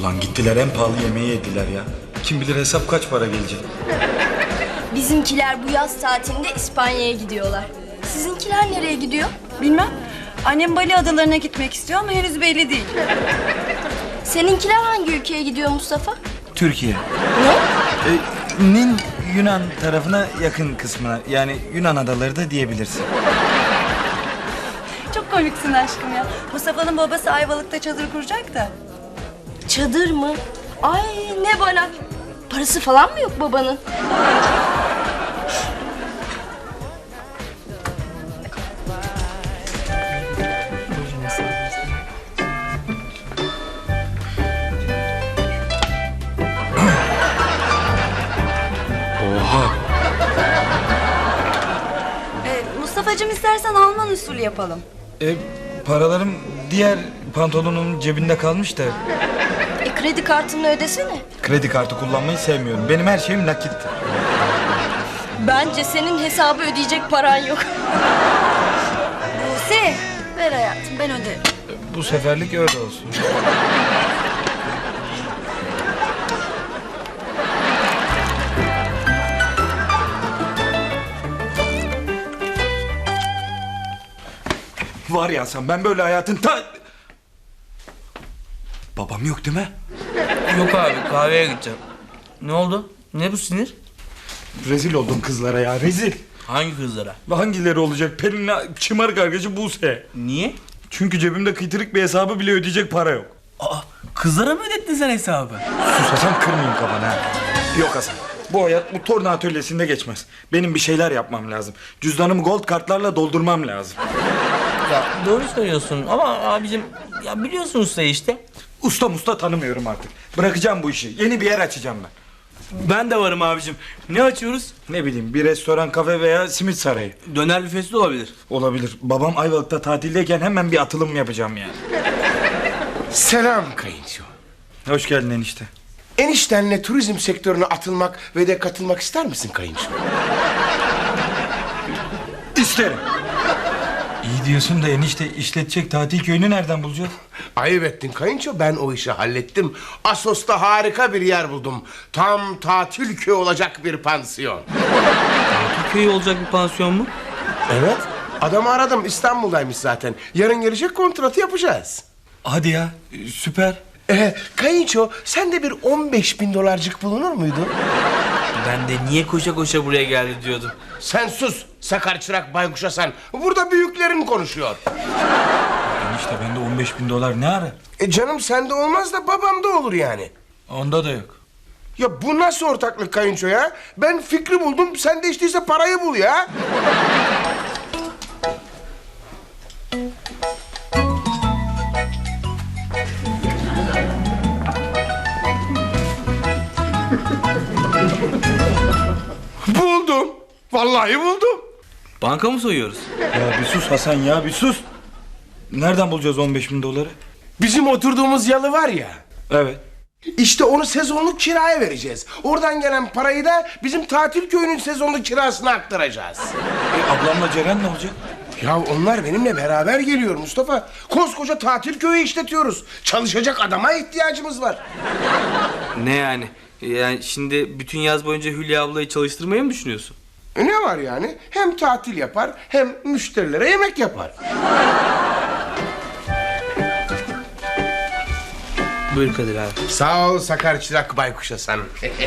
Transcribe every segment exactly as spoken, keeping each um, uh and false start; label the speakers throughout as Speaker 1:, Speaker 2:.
Speaker 1: Ulan gittiler en pahalı yemeği yediler ya. Kim bilir hesap kaç para gelecek.
Speaker 2: Bizimkiler bu yaz tatilinde İspanya'ya gidiyorlar. Sizinkiler nereye gidiyor?
Speaker 3: Bilmem. Annem Bali adalarına gitmek istiyor ama henüz belli değil.
Speaker 2: Seninkiler hangi ülkeye gidiyor Mustafa?
Speaker 1: Türkiye.
Speaker 2: Ne?
Speaker 1: E, Nin Yunan tarafına yakın kısmına. Yani Yunan adaları da diyebilirsin.
Speaker 3: Çok komiksin aşkım ya. Mustafa'nın babası Ayvalık'ta çadır kuracak da.
Speaker 2: Çadır mı? Ay ne bana. Parası falan mı yok babanın?
Speaker 1: Oha.
Speaker 3: Ee, Mustafa'cığım istersen Alman usulü yapalım.
Speaker 1: E, paralarım diğer pantolonun cebinde kalmış da.
Speaker 2: E kredi kartını ödesene.
Speaker 1: Kredi kartı kullanmayı sevmiyorum. Benim her şeyim nakittir.
Speaker 2: Bence senin hesabı ödeyecek paran yok.
Speaker 3: Buse, ver hayatım ben öderim.
Speaker 1: Bu seferlik öyle olsun. Var ya sen, ben böyle hayatın ta... Babam yok değil mi?
Speaker 4: Yok abi, kahveye gideceğim. Ne oldu? Ne bu sinir?
Speaker 1: Rezil oldum kızlara ya, rezil.
Speaker 4: Hangi kızlara?
Speaker 1: Hangileri olacak? Pelin'le şımarık arkadaşı Buse.
Speaker 4: Niye?
Speaker 1: Çünkü cebimde kıytırık bir hesabı bile ödeyecek para yok.
Speaker 4: Aa, kızlara mı ödettin sen hesabı?
Speaker 1: Sus Hasan, kırmayayım kafanı ha. Yok Hasan, bu hayat bu torna atölyesinde geçmez. Benim bir şeyler yapmam lazım. Cüzdanımı gold kartlarla doldurmam lazım.
Speaker 4: Ya doğru söylüyorsun ama abicim ya biliyorsun usta işte.
Speaker 1: Usta musta tanımıyorum artık. Bırakacağım bu işi. Yeni bir yer açacağım ben.
Speaker 4: Ben de varım abicim. Ne açıyoruz?
Speaker 1: Ne bileyim, bir restoran, kafe veya simit sarayı.
Speaker 4: Döner büfesi de olabilir.
Speaker 1: Olabilir. Babam Ayvalık'ta tatildeyken hemen bir atılım yapacağım yani.
Speaker 5: Selam kayınço.
Speaker 1: Hoş geldin enişte.
Speaker 5: Eniştenle turizm sektörüne atılmak ve de katılmak ister misin kayınço?
Speaker 1: İsterim. İyi diyorsun da enişte, işletecek tatil köyünü nereden bulacağız?
Speaker 5: Ayıp ettin kayınço, ben o işi hallettim. Assos'ta harika bir yer buldum. Tam tatil köyü olacak bir pansiyon.
Speaker 4: Köy olacak bir pansiyon mu?
Speaker 5: Evet, adamı aradım, İstanbul'daymış zaten. Yarın gelecek, kontratı yapacağız.
Speaker 1: Hadi ya, süper.
Speaker 5: Ee, kayınço, sende bir on beş bin dolarcık bulunur muydu?
Speaker 4: Ben de niye koşa koşa buraya geldi diyordum.
Speaker 5: Sen sus, sakar çırak baykuşa sen. Burada büyüklerin konuşuyor.
Speaker 1: Enişte bende on beş bin dolar ne ara?
Speaker 5: E canım, sende olmaz da babamda olur yani.
Speaker 1: Onda da yok.
Speaker 5: Ya bu nasıl ortaklık kayınço ya? Ben fikri buldum, sen de işteyse parayı bul ya. Buldum. Vallahi buldum.
Speaker 4: Banka mı soyuyoruz?
Speaker 1: Ya bir sus Hasan ya, bir sus. Nereden bulacağız on beş bin doları?
Speaker 5: Bizim oturduğumuz yalı var ya.
Speaker 1: Evet.
Speaker 5: İşte onu sezonluk kiraya vereceğiz. Oradan gelen parayı da bizim tatil köyünün sezonluk kirasına aktaracağız.
Speaker 1: E, ablamla Ceren ne olacak?
Speaker 5: Ya onlar benimle beraber geliyor Mustafa. Koskoca tatil köyü işletiyoruz. Çalışacak adama ihtiyacımız var.
Speaker 4: Ne yani? Yani şimdi bütün yaz boyunca Hülya ablayı çalıştırmayı mı düşünüyorsun?
Speaker 5: E ne var yani? Hem tatil yapar hem müşterilere yemek yapar.
Speaker 4: Buyur Kadir abi.
Speaker 5: Sağ ol sakar çırak baykuşa sen.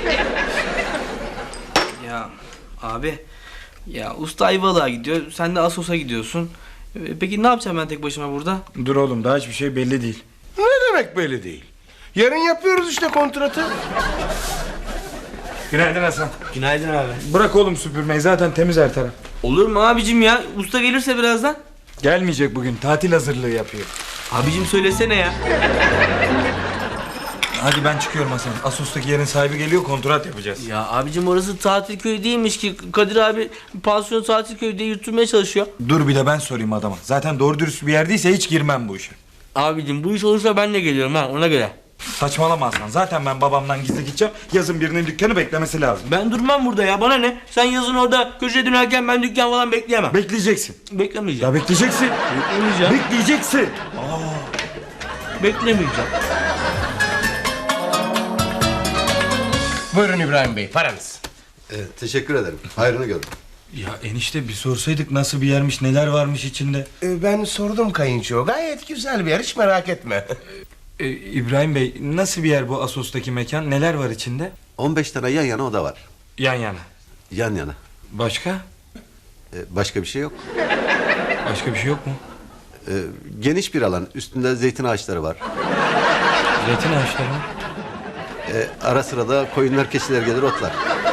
Speaker 4: Ya abi, ya usta Ayvalık'a gidiyor, sen de Assos'a gidiyorsun. E, Peki ne yapacağım ben tek başıma burada?
Speaker 1: Dur oğlum, daha hiçbir şey belli değil.
Speaker 5: Ne demek belli değil? Yarın yapıyoruz işte kontratı.
Speaker 1: Günaydın Hasan.
Speaker 4: Günaydın abi.
Speaker 1: Bırak oğlum süpürmeyi, zaten temiz her taraf.
Speaker 4: Olur mu abicim ya? Usta gelirse birazdan.
Speaker 1: Gelmeyecek bugün, tatil hazırlığı yapıyor.
Speaker 4: Abicim söylesene ya.
Speaker 1: Hadi ben çıkıyorum Hasan. Assos'taki yerin sahibi geliyor, kontrat yapacağız.
Speaker 4: Ya abicim orası tatil köyü değilmiş ki. Kadir abi pansiyon tatil köyü diye yutturmaya çalışıyor.
Speaker 1: Dur bir de ben sorayım adama. Zaten doğru dürüst bir yerdeyse hiç girmem bu işe.
Speaker 4: Abicim bu iş olursa ben de geliyorum ha, ona göre.
Speaker 1: Saçmalama Hasan. Zaten ben babamdan gizli gideceğim. Yazın birinin dükkanı beklemesi lazım.
Speaker 4: Ben durmam burada ya, bana ne? Sen yazın orada köşeye dönerken ben dükkan falan bekleyemem.
Speaker 1: Bekleyeceksin.
Speaker 4: Beklemeyeceğim.
Speaker 1: Ya bekleyeceksin.
Speaker 4: Beklemeyeceğim.
Speaker 1: Bekleyeceksin.
Speaker 4: Beklemeyeceğim.
Speaker 5: Buyurun İbrahim Bey, paranız.
Speaker 6: Evet, teşekkür ederim. Hayrını görün.
Speaker 1: Ya enişte bir sorsaydık nasıl bir yermiş, neler varmış içinde.
Speaker 5: Ee, ben sordum kayınço. Gayet güzel bir yer, hiç merak etme.
Speaker 1: Ee, İbrahim Bey, nasıl bir yer bu Assos'taki mekan? Neler var içinde?
Speaker 6: on beş tane yan yana oda var.
Speaker 1: Yan yana.
Speaker 6: Yan yana.
Speaker 1: Başka?
Speaker 6: Ee, başka bir şey yok.
Speaker 1: Başka bir şey yok mu?
Speaker 6: Ee, geniş bir alan. Üstünde zeytin ağaçları var.
Speaker 1: Zeytin ağaçları mı?
Speaker 6: Ee, ara sıra da koyunlar, keçiler gelir otlar.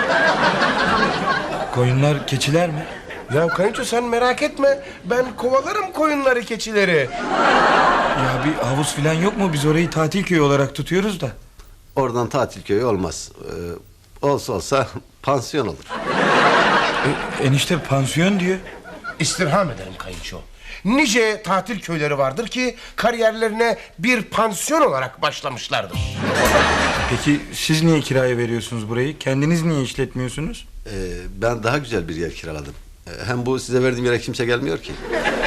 Speaker 1: Koyunlar, keçiler mi?
Speaker 5: Ya kayınço sen merak etme. Ben kovalarım koyunları, keçileri.
Speaker 1: Ya bir havuz falan yok mu? Biz orayı tatil köyü olarak tutuyoruz da.
Speaker 6: Oradan tatil köyü olmaz. Ee, olsa olsa pansiyon olur.
Speaker 1: E, enişte pansiyon diyor.
Speaker 5: İstirham ederim kayınço. Nice tatil köyleri vardır ki kariyerlerine bir pansiyon olarak başlamışlardır.
Speaker 1: Peki siz niye kiraya veriyorsunuz burayı? Kendiniz niye işletmiyorsunuz?
Speaker 6: Ee, ben daha güzel bir yer kiraladım. Ee, hem bu size verdiğim yere kimse gelmiyor ki.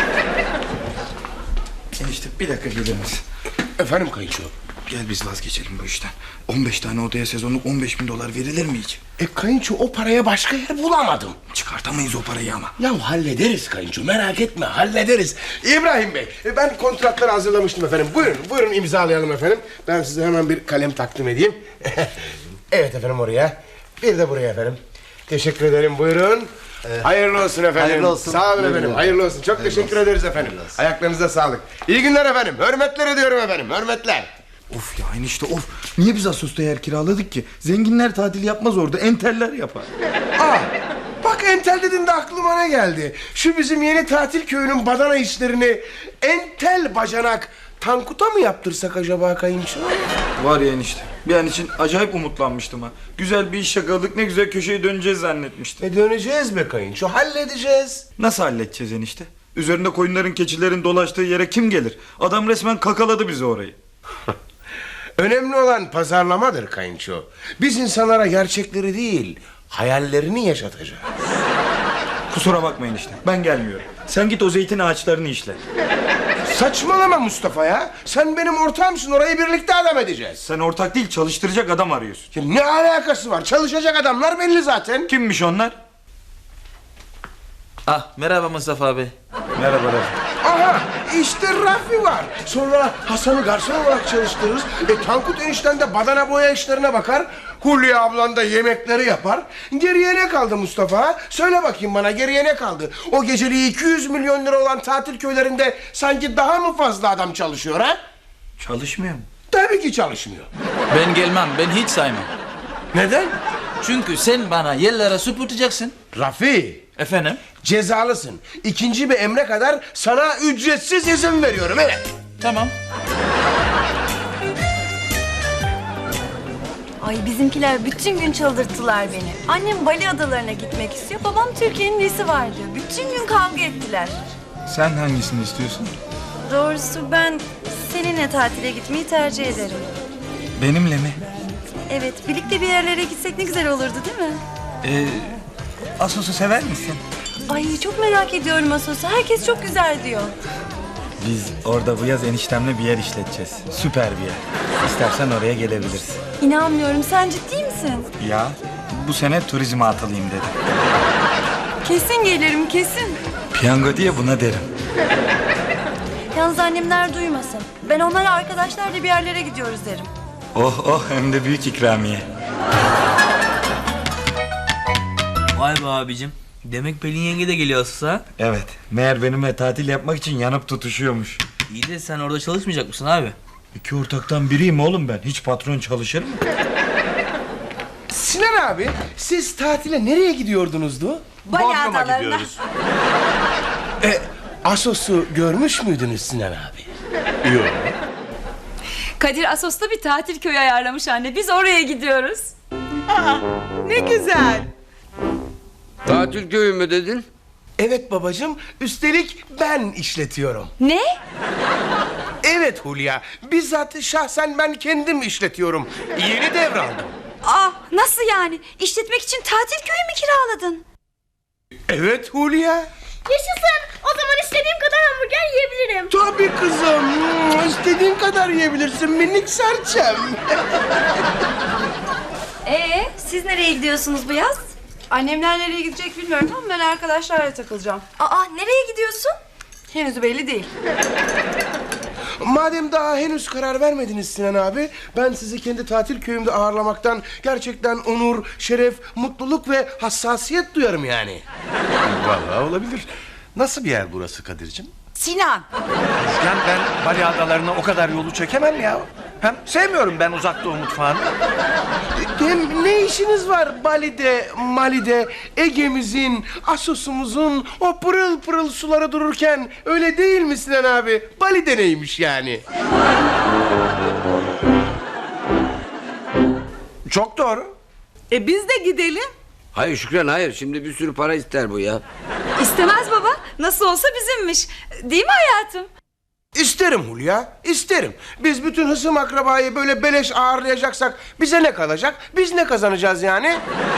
Speaker 1: Enişte bir dakika gelir misin?
Speaker 5: Efendim kayınço?
Speaker 1: Gel biz vazgeçelim bu işten. on beş tane odaya sezonluk on beş bin dolar verilir mi hiç?
Speaker 5: E kayınço o paraya başka yer bulamadım.
Speaker 1: Çıkartamayız o parayı ama.
Speaker 5: Ya hallederiz kayınço, merak etme, hallederiz. İbrahim Bey, e, ben kontratları hazırlamıştım efendim. Buyurun, buyurun imzalayalım efendim. Ben size hemen bir kalem takdim edeyim. Evet efendim, oraya. Bir de buraya efendim. Teşekkür ederim, buyurun. Hayırlı olsun efendim.
Speaker 6: Hayırlı olsun.
Speaker 5: Sağ olun
Speaker 6: Hayırlı
Speaker 5: efendim,
Speaker 6: olsun.
Speaker 5: hayırlı olsun. Çok
Speaker 6: Hayırlı
Speaker 5: teşekkür
Speaker 6: olsun.
Speaker 5: ederiz efendim.
Speaker 6: Hayırlı olsun.
Speaker 5: Ayaklarınıza sağlık. İyi günler efendim. Hürmetler ediyorum efendim, hürmetler.
Speaker 1: Of ya enişte of. Niye biz Assos'ta yer kiraladık ki? Zenginler tatil yapmaz orada. Enteller yapar.
Speaker 5: Aa, bak entel dedin de aklıma ne geldi? Şu bizim yeni tatil köyünün badana işlerini entel bacanak Tankut'a mı yaptırsak acaba kayınço?
Speaker 1: Var ya enişte. Bir an için acayip umutlanmıştım ha. Güzel bir iş yakaladık, ne güzel köşeye döneceğiz zannetmiştim.
Speaker 5: E döneceğiz be kayınço, halledeceğiz.
Speaker 1: Nasıl halledeceğiz enişte? Üzerinde koyunların, keçilerin dolaştığı yere kim gelir? Adam resmen kakaladı bizi orayı.
Speaker 5: Önemli olan pazarlamadır kayınço. Biz insanlara gerçekleri değil, hayallerini yaşatacağız.
Speaker 1: Kusura bakmayın işte. Ben gelmiyorum. Sen git o zeytin ağaçlarını işle.
Speaker 5: Saçmalama Mustafa ya. Sen benim ortağımsın, orayı birlikte adam edeceğiz.
Speaker 1: Sen ortak değil, çalıştıracak adam arıyorsun.
Speaker 5: Ya ne alakası var? Çalışacak adamlar belli zaten.
Speaker 1: Kimmiş onlar?
Speaker 4: Ah merhaba Mustafa abi.
Speaker 1: Merhaba Rafi.
Speaker 5: Aha, işte Rafi var. Sonra Hasan'ı garson olarak çalıştırırız. E Tankut enişten de badana boya işlerine bakar. Hulya ablan da yemekleri yapar. Geriye ne kaldı Mustafa? Söyle bakayım bana, geriye ne kaldı? O geceliği iki yüz milyon lira olan tatil köylerinde sanki daha mı fazla adam çalışıyor ha?
Speaker 1: Çalışmıyor mu?
Speaker 5: Tabii ki çalışmıyor.
Speaker 7: Ben gelmem, ben hiç saymam.
Speaker 5: Neden?
Speaker 7: Çünkü sen bana yerlere süpürteceksin.
Speaker 5: Rafi,
Speaker 7: Efendim?
Speaker 5: cezalısın. İkinci bir emre kadar sana ücretsiz izin veriyorum, evet.
Speaker 7: Tamam.
Speaker 3: Ay bizimkiler bütün gün çıldırttılar beni. Annem Bali adalarına gitmek istiyor. Babam Türkiye'nin nesi var diyor. Bütün gün kavga ettiler.
Speaker 1: Sen hangisini istiyorsun?
Speaker 3: Doğrusu ben seninle tatile gitmeyi tercih ederim.
Speaker 1: Benimle mi?
Speaker 3: Evet, birlikte bir yerlere gitsek ne güzel olurdu değil mi?
Speaker 1: Ee, Assos'u sever misin?
Speaker 3: Ay çok merak ediyorum Asos'u. Herkes çok güzel diyor.
Speaker 1: Biz orada bu yaz eniştemle bir yer işleteceğiz. Süper bir yer. İstersen oraya gelebilirsin.
Speaker 3: İnanmıyorum. Sen ciddi misin?
Speaker 1: Ya bu sene turizme atılayım dedim.
Speaker 3: Kesin gelirim, kesin.
Speaker 1: Piyango diye buna derim.
Speaker 3: Yalnız annemler duymasın. Ben onlara arkadaşlarla bir yerlere gidiyoruz derim.
Speaker 1: Oh oh, hem de büyük ikramiye.
Speaker 4: Vay be abicim. Demek Pelin yenge de geliyor Assos'a.
Speaker 1: Evet, meğer benimle tatil yapmak için yanıp tutuşuyormuş.
Speaker 4: İyi de sen orada çalışmayacak mısın abi?
Speaker 1: İki ortaktan biriyim oğlum ben. Hiç patron çalışır mı?
Speaker 5: Sinan abi, siz tatile nereye gidiyordunuzdu?
Speaker 3: Bali adalarına.
Speaker 5: E, Assos'u görmüş müydünüz Sinan abi? Yok.
Speaker 8: Kadir Assos'ta bir tatil köyü ayarlamış anne. Biz oraya gidiyoruz.
Speaker 9: Ne güzel.
Speaker 10: Tatil köyü mü dedin?
Speaker 5: Evet babacığım, üstelik ben işletiyorum.
Speaker 8: Ne?
Speaker 5: Evet Hulya, bizzat şahsen ben kendim işletiyorum. Yeni devraldım.
Speaker 8: Aa, nasıl yani? İşletmek için tatil köyü mü kiraladın?
Speaker 5: Evet Hulya.
Speaker 2: Yaşasın. O zaman istediğim kadar hamburger yiyebilirim.
Speaker 5: Tabii kızım. Hmm, İstediğin kadar yiyebilirsin minik serçem.
Speaker 8: Ee,
Speaker 3: Siz nereye gidiyorsunuz bu yaz? Annemler nereye gidecek bilmiyorum ama ben arkadaşlarla takılacağım.
Speaker 2: Aa, nereye gidiyorsun?
Speaker 3: Henüz belli değil.
Speaker 5: Madem daha henüz karar vermediniz Sinan abi, ben sizi kendi tatil köyümde ağırlamaktan gerçekten onur, şeref, mutluluk ve hassasiyet duyarım yani.
Speaker 11: Vallahi olabilir. Nasıl bir yer burası Kadir'cim?
Speaker 9: Sinan.
Speaker 11: Müjgan, ben Bali adalarına o kadar yolu çekemem ya. Hem sevmiyorum ben uzak doğu mutfağını.
Speaker 5: Hem ne işiniz var Bali'de, Mali'de, Ege'mizin, Assos'umuzun o pırıl pırıl suları dururken, öyle değil mi Sinan abi? Bali'de neymiş yani?
Speaker 11: Çok doğru.
Speaker 9: E biz de gidelim.
Speaker 10: Hayır Şükran hayır. Şimdi bir sürü para ister bu ya.
Speaker 8: İstemez baba. Nasıl olsa bizimmiş. Değil mi hayatım?
Speaker 5: İsterim Hulya, isterim. Biz bütün hısım akrabayı böyle beleş ağırlayacaksak bize ne kalacak? Biz ne kazanacağız yani?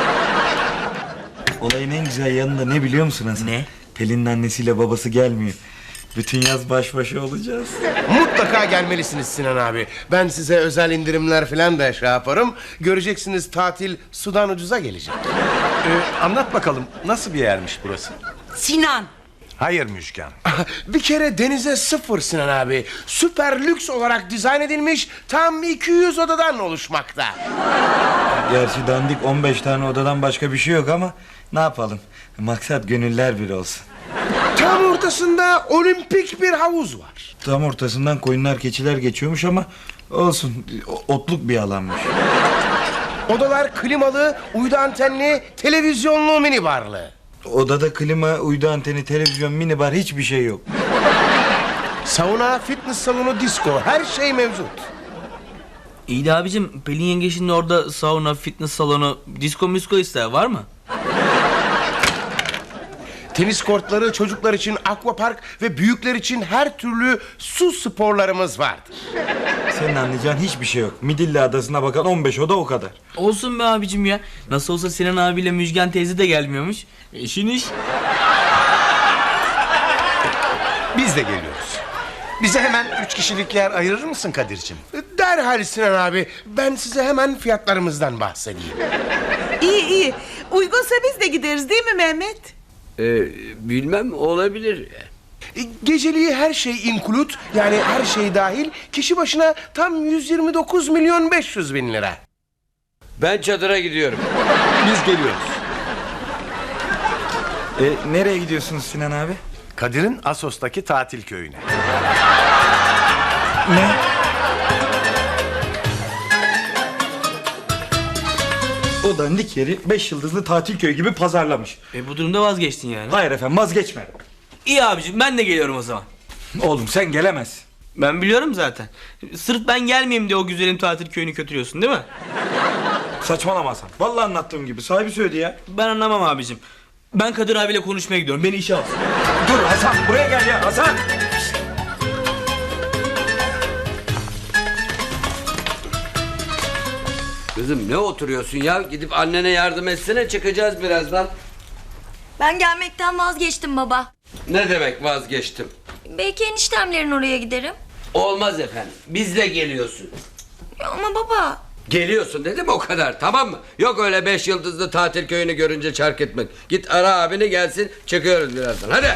Speaker 1: Olayın en güzel yanında ne biliyor musun Hasan?
Speaker 4: Ne?
Speaker 1: Pelin'in annesiyle babası gelmiyor. Bütün yaz baş başa olacağız.
Speaker 5: Mutlaka gelmelisiniz Sinan abi. Ben size özel indirimler falan da şey yaparım. Göreceksiniz, tatil sudan ucuza gelecek.
Speaker 11: Ee, anlat bakalım nasıl bir yermiş burası?
Speaker 9: Sinan.
Speaker 11: Hayır Müjgan.
Speaker 5: Bir kere denize sıfır Sinan abi. Süper lüks olarak dizayn edilmiş, tam iki yüz odadan oluşmakta.
Speaker 1: Gerçi dandik on beş tane odadan başka bir şey yok ama ne yapalım? Maksat gönüller bir olsun.
Speaker 5: Tam ortasında olimpik bir havuz var.
Speaker 1: Tam ortasından koyunlar keçiler geçiyormuş ama olsun, otluk bir alanmış.
Speaker 5: Odalar klimalı, uydu antenli, televizyonlu mini barlı.
Speaker 1: Odada klima, uydu anteni, televizyon, mini bar, hiçbir şey yok.
Speaker 5: Sauna, fitness salonu, disco, her şey mevcut.
Speaker 4: İyi de abicim, Pelin yenge şimdi orada sauna, fitness salonu, disco misko ister, var mı?
Speaker 5: Tenis kortları, çocuklar için aquapark ve büyükler için her türlü su sporlarımız vardır.
Speaker 1: Senin anlayacağın hiçbir şey yok. Midilli Adası'na bakan on beş oda, o kadar.
Speaker 4: Olsun be abicim ya. Nasıl olsa Sinan abiyle Müjgan teyze de gelmiyormuş. İşin iş.
Speaker 11: Biz de geliyoruz. Bize hemen üç kişilik yer ayırır mısın Kadir'cim?
Speaker 5: Derhal Sinan abi, ben size hemen fiyatlarımızdan bahsedeyim.
Speaker 9: İyi iyi. Uygunsa biz de gideriz değil mi Mehmet?
Speaker 10: Ee, bilmem olabilir.
Speaker 5: E, Geceliği her şey include, yani her şey dahil, kişi başına tam yüz yirmi dokuz milyon beş yüz bin lira.
Speaker 10: Ben çadıra gidiyorum.
Speaker 11: Biz geliyoruz.
Speaker 1: E, nereye gidiyorsunuz Sinan abi?
Speaker 11: Kadir'in Assos'taki tatil köyüne.
Speaker 1: Ne? O dandik yeri beş yıldızlı tatil köyü gibi pazarlamış.
Speaker 4: E bu durumda vazgeçtin yani.
Speaker 1: Hayır efendim, vazgeçme.
Speaker 4: İyi abicim, ben de geliyorum o zaman.
Speaker 1: Oğlum sen gelemezsin.
Speaker 4: Ben biliyorum zaten. Sırf ben gelmeyeyim diye o güzelim tatil köyünü kötülüyorsun değil mi?
Speaker 1: Saçmalama Hasan. Vallahi anlattığım gibi, sahibi söyledi ya.
Speaker 4: Ben anlamam abicim. Ben Kadir abiyle konuşmaya gidiyorum. Beni işe alsın.
Speaker 1: Dur Hasan, buraya gel ya Hasan.
Speaker 10: Kızım ne oturuyorsun ya? Gidip annene yardım etsene, çıkacağız birazdan.
Speaker 2: Ben gelmekten vazgeçtim baba.
Speaker 10: Ne demek vazgeçtim?
Speaker 2: Belki eniştemlerin oraya giderim.
Speaker 10: Olmaz efendim. Bizle geliyorsun.
Speaker 2: Ya ama baba.
Speaker 10: Geliyorsun dedim, o kadar, tamam mı? Yok öyle beş yıldızlı tatil köyünü görünce çark etmek. Git ara abini gelsin, çıkıyoruz birazdan. Hadi.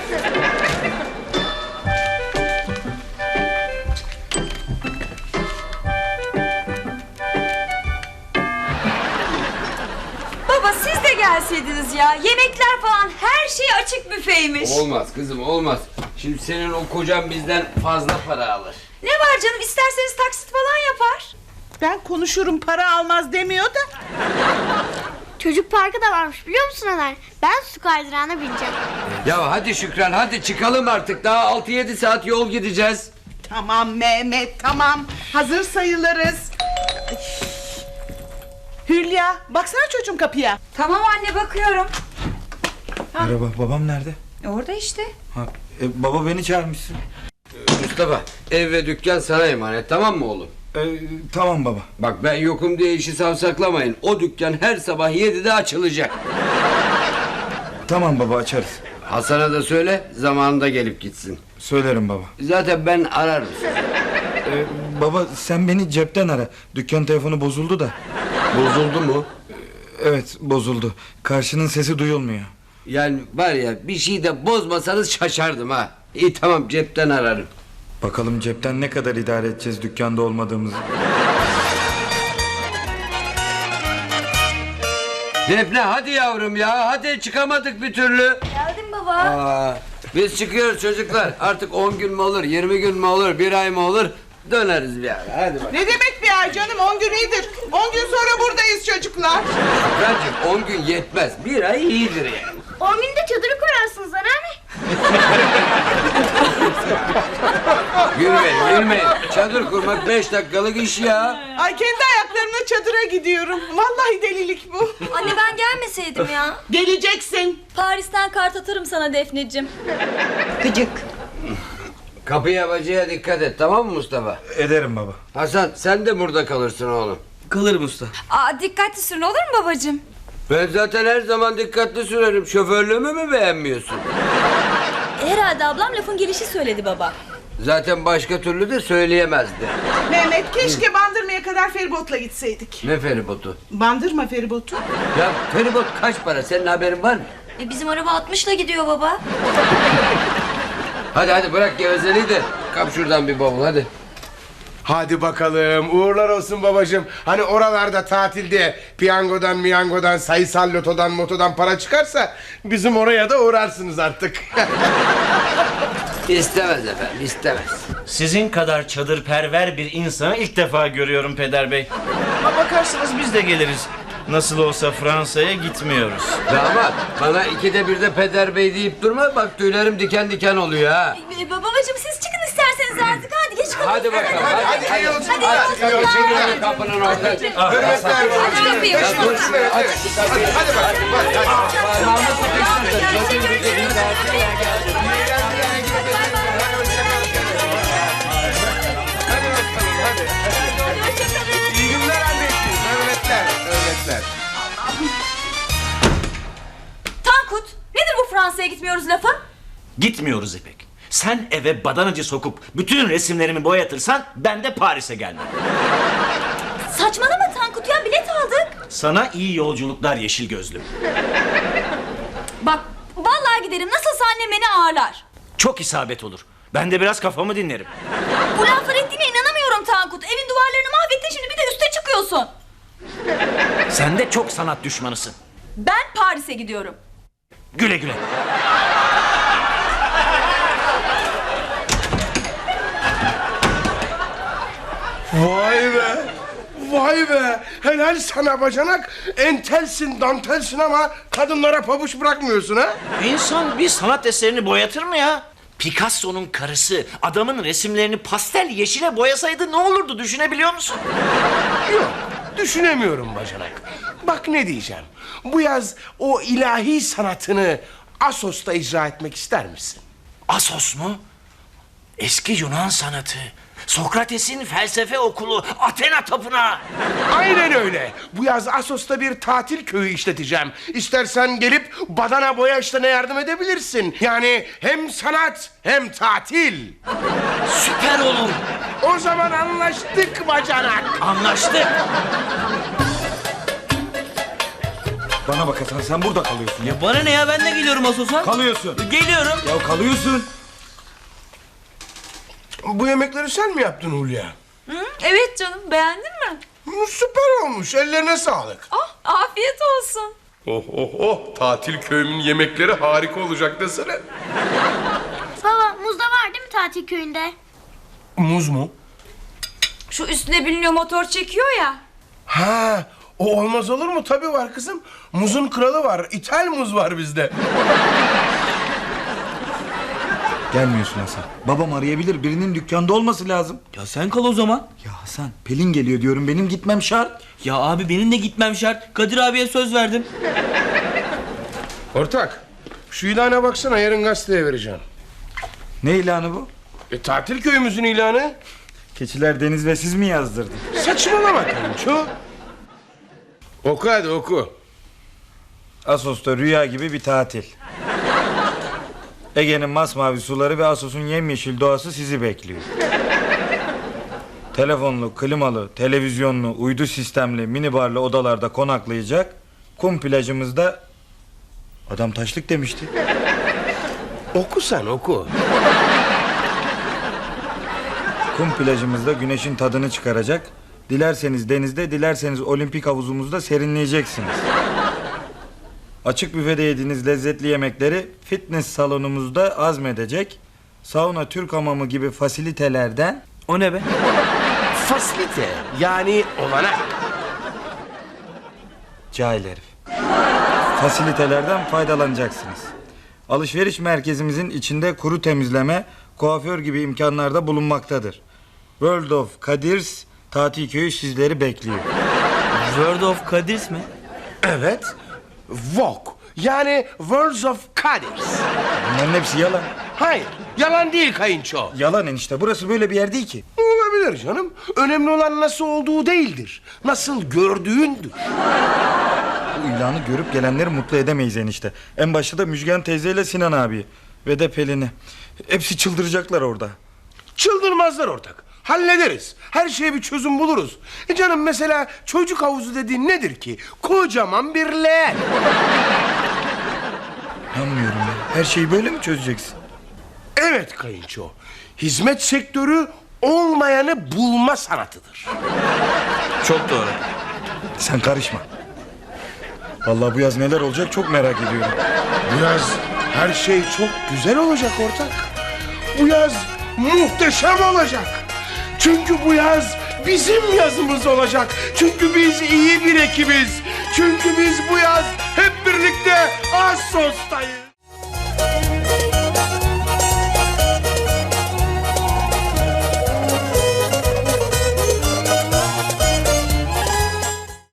Speaker 8: Baba siz de gelseydiniz ya. Yemekler falan her şey açık büfeymiş.
Speaker 10: Olmaz kızım, olmaz. Şimdi senin o kocan bizden fazla para alır.
Speaker 8: Ne var canım, isterseniz taksit falan yapar.
Speaker 9: Ben konuşurum, para almaz demiyor da.
Speaker 12: Çocuk parkı da varmış biliyor musun Ömer? Ben su kaydırağına bineceğim.
Speaker 10: Ya hadi Şükran, hadi çıkalım artık. Daha altı yedi saat yol gideceğiz.
Speaker 9: Tamam Mehmet, tamam. Hazır sayılırız. Hülya, baksana çocuğum kapıya.
Speaker 8: Tamam anne, bakıyorum.
Speaker 1: Merhaba, babam nerede?
Speaker 8: Orada işte.
Speaker 1: Ha, e, baba beni çağırmışsın.
Speaker 10: Mustafa, ev ve dükkan sana emanet, tamam mı oğlum?
Speaker 1: E, tamam baba.
Speaker 10: Bak ben yokum diye işi savsaklamayın. O dükkan her sabah yedide açılacak.
Speaker 1: Tamam baba, açarız.
Speaker 10: Hasan'a da söyle, zamanında gelip gitsin.
Speaker 1: Söylerim baba.
Speaker 10: Zaten ben ararım.
Speaker 1: E, baba sen beni cepten ara. Dükkan telefonu bozuldu da.
Speaker 10: Bozuldu mu?
Speaker 1: Evet, bozuldu. Karşının sesi duyulmuyor.
Speaker 10: Yani var ya, bir şey de bozmasanız şaşardım ha. İyi tamam, cepten ararım.
Speaker 1: Bakalım cepten ne kadar idare edeceğiz dükkanda olmadığımızı.
Speaker 10: Defne hadi yavrum ya, hadi, çıkamadık bir türlü.
Speaker 2: Geldim baba.
Speaker 10: Aa, biz çıkıyoruz çocuklar. Artık on gün mü olur, yirmi gün mü olur, bir ay mı olur, döneriz bir ara. Hadi bak.
Speaker 9: Ne demek bir ay canım? On gün iyidir. On gün sonra buradayız çocuklar.
Speaker 10: Şükracığım, on gün yetmez, bir ay iyidir yani.
Speaker 12: On günde çadırı kurarsınız anneanne.
Speaker 10: Gülmeyin, gülmeyin. Çadır kurmak beş dakikalık iş ya.
Speaker 9: Ay kendi ayaklarımla çadıra gidiyorum. Vallahi delilik bu.
Speaker 3: Anne ben gelmeseydim ya.
Speaker 9: Geleceksin.
Speaker 8: Paris'ten kart atarım sana Defneciğim.
Speaker 3: Gıcık.
Speaker 10: Kapıya bacaya dikkat et, tamam mı Mustafa?
Speaker 1: Ederim baba.
Speaker 10: Hasan, sen de burada kalırsın oğlum.
Speaker 4: Kalırım usta.
Speaker 8: Aa, dikkatli sürün olur mu babacığım?
Speaker 10: Ben zaten her zaman dikkatli sürerim. Şoförlüğümü mü beğenmiyorsun?
Speaker 8: Herhalde ablam lafın gelişi söyledi baba.
Speaker 10: Zaten başka türlü de söyleyemezdi.
Speaker 9: Mehmet keşke Bandırma'ya kadar feribotla gitseydik.
Speaker 10: Ne feribotu?
Speaker 9: Bandırma feribotu.
Speaker 10: Ya feribot kaç para? Senin haberin var mı?
Speaker 3: E, bizim araba altmışla gidiyor baba.
Speaker 10: Hadi hadi bırak gevezeliği de kap şuradan bir bavul hadi.
Speaker 5: Hadi bakalım, uğurlar olsun babacığım. Hani oralarda tatilde piyangodan miyangodan sayısal lotodan motodan para çıkarsa bizim oraya da uğrarsınız artık.
Speaker 10: İstemez efendim, istemez.
Speaker 13: Sizin kadar çadırperver bir insanı ilk defa görüyorum Peder Bey. Ama bakarsanız biz de geliriz. Nasıl olsa Fransa'ya gitmiyoruz.
Speaker 10: Damat, bana ikide bir de Peder Bey deyip durma, bak tüylerim diken diken oluyor ha.
Speaker 8: Ee, babacığım siz çıkın isterseniz artık, hadi geç kalın.
Speaker 10: Hadi bakalım, hadi hadi.
Speaker 5: Hadi,
Speaker 10: Hadi,
Speaker 5: hadi,
Speaker 10: hadi,
Speaker 5: hadi, hadi,
Speaker 10: hadi, kapının orada.
Speaker 5: Hürmetler.
Speaker 8: Aç kapıyı.
Speaker 10: Ya dur şuraya, aç.
Speaker 5: Hadi, hadi bakalım, hadi, hadi.
Speaker 10: Parmağımı sıkıştırın. Gözüm gözüm gözüm.
Speaker 5: İyi günler anneciğim. Hürmetler, hürmetler.
Speaker 8: Tankut, nedir bu Fransa'ya gitmiyoruz lafı?
Speaker 13: Gitmiyoruz İpek. Sen eve badanacı sokup bütün resimlerimi boyatırsan ben de Paris'e gelmem.
Speaker 8: Saçmalama Tankut ya, bilet aldık.
Speaker 13: Sana iyi yolculuklar yeşil gözlüm.
Speaker 8: Bak vallahi giderim, nasılsa annem beni ağırlar.
Speaker 13: Çok isabet olur. Ben de biraz kafamı dinlerim.
Speaker 8: Bu laflar ettiğine inanamıyorum Tankut. Evin duvarlarını mahvettin, şimdi bir de üste çıkıyorsun.
Speaker 13: Sen de çok sanat düşmanısın.
Speaker 8: Ben Paris'e gidiyorum.
Speaker 13: Güle güle.
Speaker 5: Vay be. Vay be. Helal sana bacanak. Entelsin dantelsin ama kadınlara pabuç bırakmıyorsun ha.
Speaker 13: İnsan bir sanat eserini boyatır mı ya? Picasso'nun karısı adamın resimlerini pastel yeşile boyasaydı ne olurdu, düşünebiliyor musun?
Speaker 5: Yok, düşünemiyorum bacanak. Bak ne diyeceğim. Bu yaz o ilahi sanatını Assos'ta icra etmek ister misin?
Speaker 13: Assos mu? Eski Yunan sanatı. Sokrates'in felsefe okulu, Athena tapınağı.
Speaker 5: Aynen öyle. Bu yaz Assos'ta bir tatil köyü işleteceğim. İstersen gelip badana boya işlerine yardım edebilirsin. Yani hem sanat hem tatil.
Speaker 13: Süper olur.
Speaker 5: O zaman anlaştık bacanak.
Speaker 13: Anlaştık.
Speaker 1: Bana bak Hasan, sen burada kalıyorsun ya.
Speaker 4: Bana ne ya, ben de geliyorum Asos'a.
Speaker 1: Kalıyorsun.
Speaker 4: Geliyorum.
Speaker 1: Ya kalıyorsun.
Speaker 5: Bu yemekleri sen mi yaptın Hulya?
Speaker 8: Hı? Evet canım, beğendin mi?
Speaker 5: Hı, süper olmuş. Ellerine sağlık.
Speaker 8: Ah, afiyet olsun.
Speaker 5: Oh oh oh. Tatil köyümün yemekleri harika olacak desene.
Speaker 12: Baba muz da var değil mi tatil köyünde?
Speaker 5: Muz mu?
Speaker 8: Şu üstüne biniliyor, motor çekiyor ya.
Speaker 5: Ha, o olmaz olur mu? Tabii var kızım. Muzun kralı var. İthal muz var bizde.
Speaker 1: Gelmiyorsun Hasan. Babam arayabilir. Birinin dükkanda olması lazım.
Speaker 4: Ya sen kal o zaman.
Speaker 1: Ya Hasan, Pelin geliyor diyorum. Benim gitmem şart.
Speaker 4: Ya abi benim de gitmem şart. Kadir abiye söz verdim.
Speaker 5: Ortak, şu ilana baksana, yarın gazeteye vereceğim.
Speaker 1: Ne ilanı bu?
Speaker 5: E, tatil köyümüzün ilanı.
Speaker 1: Keçiler Deniz ve siz mi yazdırdın?
Speaker 5: Saçmalama kayınço. Oku hadi oku.
Speaker 1: Assos'ta rüya gibi bir tatil. Ege'nin masmavi suları ve Assos'un yemyeşil doğası sizi bekliyor. Telefonlu, klimalı, televizyonlu, uydu sistemli, minibarlı odalarda konaklayacak, kum plajımızda... Adam taşlık demişti.
Speaker 5: Oku sen oku.
Speaker 1: Kum plajımızda güneşin tadını çıkaracak. Dilerseniz denizde, dilerseniz olimpik havuzumuzda serinleyeceksiniz. Açık büfede yediğiniz lezzetli yemekleri fitness salonumuzda azmedecek. Sauna, Türk hamamı gibi fasilitelerden...
Speaker 4: O ne be?
Speaker 5: Fasilite yani olanak.
Speaker 1: Cahil herif. Fasilitelerden faydalanacaksınız. Alışveriş merkezimizin içinde kuru temizleme, kuaför gibi imkanlarda bulunmaktadır. World of Kadirs tatil köyü sizleri bekliyor.
Speaker 4: World of Kadirs mi?
Speaker 5: Evet. Vogue yani Worlds of Kadirs.
Speaker 1: Bunların hepsi yalan.
Speaker 5: Hayır yalan değil kayınço.
Speaker 1: Yalan enişte, burası böyle bir yer değil ki.
Speaker 5: Olabilir canım. Önemli olan nasıl olduğu değildir. Nasıl gördüğündür.
Speaker 1: Bu ilanı görüp gelenleri mutlu edemeyiz enişte. En başta da Müjgan teyzeyle Sinan abi ve de Pelin'i. Hepsi çıldıracaklar orada.
Speaker 5: Çıldırmazlar ortak. Hallederiz. Her şeye bir çözüm buluruz. E canım mesela çocuk havuzu dediğin nedir ki? Kocaman bir leğen.
Speaker 1: Anlamıyorum ya. Her şeyi böyle mi çözeceksin?
Speaker 5: Evet kayınço. Hizmet sektörü olmayanı bulma sanatıdır.
Speaker 4: Çok doğru.
Speaker 1: Sen karışma. Vallahi bu yaz neler olacak çok merak ediyorum.
Speaker 5: Bu yaz her şey çok güzel olacak ortak. Bu yaz muhteşem olacak. Çünkü bu yaz bizim yazımız olacak. Çünkü biz iyi bir ekibiz. Çünkü biz bu yaz hep birlikte Assos'tayız.